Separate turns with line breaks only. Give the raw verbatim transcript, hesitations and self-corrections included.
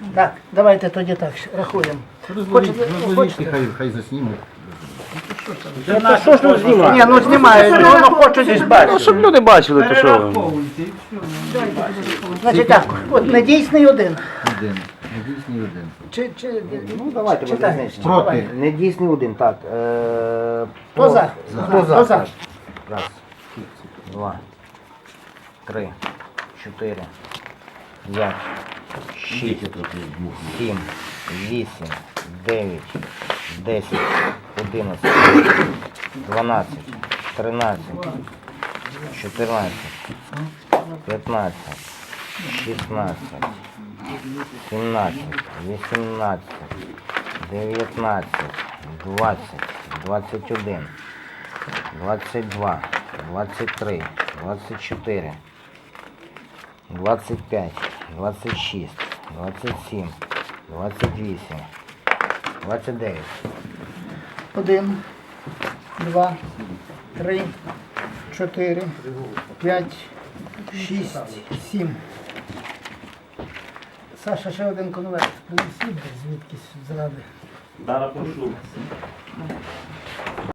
Так, давайте тоді так рахуємо. Хочете? Хочете?
Хай, хай заснімуть.
Та що ж тут знімати?
Ні, ну знімають, ну воно хочуть десь
Ну,
бачити.
щоб люди бачили, то що.
Перераховуйте і все.
Значить так, от недійсний один.
Один. Недійсний один.
Чи, чи,
Ну, давайте
читай.
визначимо.
Проти.
Недійсний один, так. Е,
Хто за?
Хто за?
Хто за?
Раз, два, три, чотири, п'ять, шість, сім, вісім, дев'ять, десять, одинадцять, дванадцять, тринадцять, чотирнадцять, п'ятнадцять, шістнадцять, сімнадцять, вісімнадцять, дев'ятнадцять, двадцять, двадцять один, двадцять два, двадцять три, двадцять чотири, двадцять п'ять, двадцять шість, двадцять сім, двадцять вісім, двадцять дев'ять.
Один, два, три, чотири, п'ять, шість, сім. Саша, ще один конверт принесіть звідкись зради.
Зараз пошу.